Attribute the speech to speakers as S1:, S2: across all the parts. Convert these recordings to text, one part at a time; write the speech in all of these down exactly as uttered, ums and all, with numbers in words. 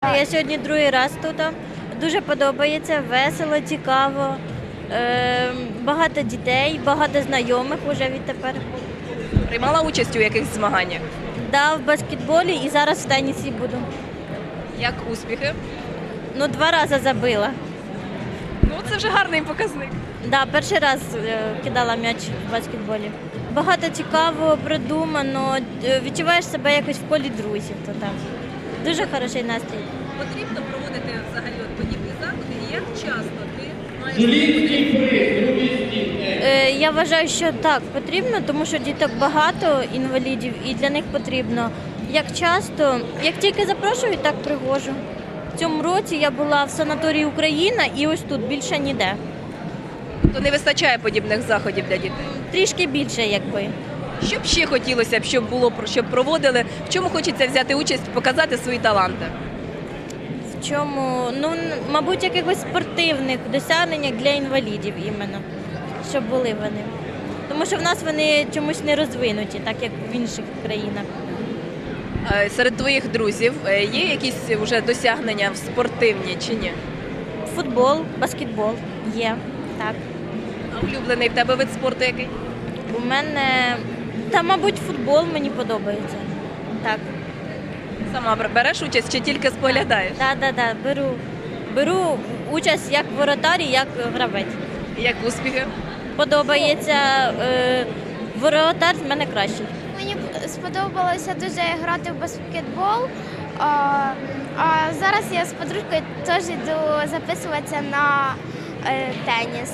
S1: Я сьогодні другий раз тут. Дуже подобається, весело, цікаво. Е, багато дітей, багато знайомих вже відтепер.
S2: Приймала участь у якихось змаганнях?
S1: Да, в баскетболі і зараз в тенісі буду.
S2: Як успіхи?
S1: Ну, два рази забила.
S2: Ну, це вже гарний показник.
S1: Да, перший раз е, кидала м'яч в баскетболі. Багато цікавого, продумано, е, відчуваєш себе якось в колі друзів. То там. Дуже хороший настрій.
S2: Потрібно проводити взагалі от подібні заходи, і як часто ти маєш...
S1: Е, Я вважаю, що так, потрібно, тому що діток багато, інвалідів, і для них потрібно. Як часто, як тільки запрошують, так привожу. В цьому році я була в санаторії «Україна» і ось тут, більше ніде.
S2: То не вистачає подібних заходів для дітей?
S1: Трішки більше, якби.
S2: Що б ще хотілося б, щоб було, щоб проводили? В чому хочеться взяти участь, показати свої таланти?
S1: В чому? Ну, н- мабуть, якихось спортивних досягненнях для інвалідів іменно, щоб були вони. Тому що в нас вони чомусь не розвинуті, так як в інших країнах.
S2: Е, Серед твоїх друзів е, є якісь вже досягнення в спортивні чи ні?
S1: Футбол, баскетбол є, так.
S2: А улюблений в тебе вид спорту який?
S1: У мене, та, мабуть, футбол мені подобається. Так.
S2: Сама бер- береш участь чи тільки споглядаєш?
S1: Так, так, так, беру. Беру участь як воротар і як гравець.
S2: Як успіхи?
S1: Подобається. Е, воротар з мене кращий.
S3: Мені сподобалося дуже грати в баскетбол. А, а зараз я з подружкою теж йду записуватися на е, теніс.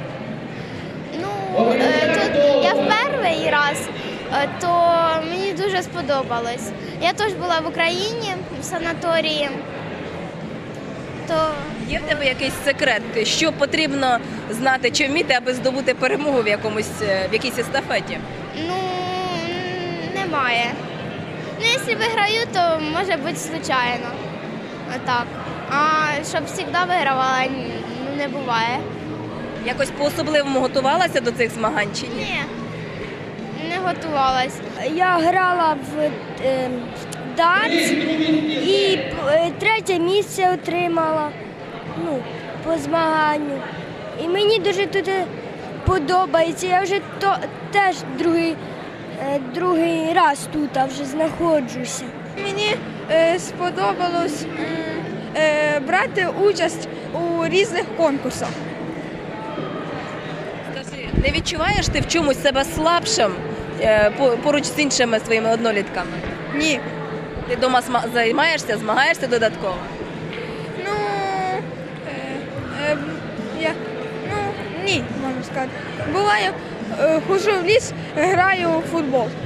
S3: Ну, е, тут я в перший раз, е, то мені дуже сподобалось. Я теж була в Україні в санаторії. То
S2: Є в тебе якийсь секрет, що потрібно знати чи вміти, аби здобути перемогу в якомусь е, в якійсь естафеті?
S3: ну, немає. Ну, якщо виграю, то може бути случайно. Так. А щоб завжди вигравала, ну, не буває.
S2: Якось по-особливому готувалася до цих змагань чи ні?
S3: Ні, не готувалась.
S4: Я грала в е, дартс і е, третє місце отримала, ну, по змаганню. І мені дуже тут е, подобається. Я вже то, теж другий, е, другий раз тут а вже знаходжуся.
S5: Мені е, сподобалось м, е, брати участь у різних конкурсах.
S2: Скажи, не відчуваєш ти в чомусь себе слабшим е, по- поруч з іншими своїми однолітками?
S5: Ні.
S2: Ти вдома займаєшся, змагаєшся додатково?
S5: Ну, е, е, я, ну, ні, можна сказати. Буває, е, ходжу в ліс, граю в футбол.